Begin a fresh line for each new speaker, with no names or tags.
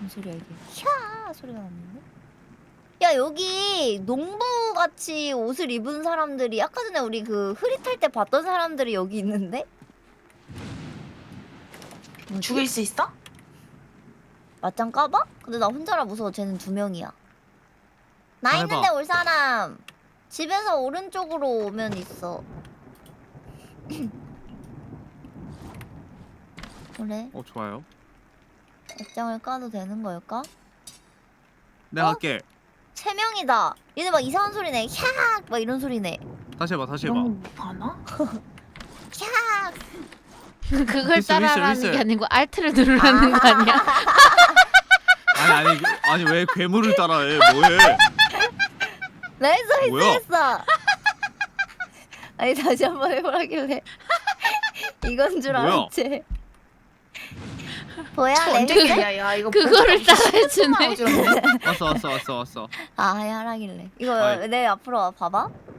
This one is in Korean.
무슨 소리야 이게? 캬 소리가 났는데? 야 여기 농부같이 옷을 입은 사람들이 아까 전에 우리 그 흐릿할 때 봤던 사람들이 여기 있는데?
죽일 수 있어?
맞짱 까봐? 근데 나 혼자라 무서워. 쟤는 2명이야. 나
해봐.
있는데 올 사람. 집에서 오른쪽으로 오면 있어. 그래?
좋아요.
맞짱을 까도 되는 걸까?
내가
어?
할게.
3명이다. 얘네 막 이상한 소리 내. 캬악! 막 이런 소리 내.
다시 해봐. 다시 해봐.
이런 거 못하나?
캬악!
그걸
휘슬,
따라하는
휘슬.
게 아니고 알트를 누르라는 거 아니야?
아니 왜 괴물을 따라해? 뭐해?
나이스
뭐야?
했어. 아니 다시 한번 해보라길래 이건 줄
뭐야?
알았지. 뭐야
언제
내
기야 야 이거
그거를 따라해주네.
왔어.
아 하라길래 이거
아이.
내 앞으로 와 봐봐.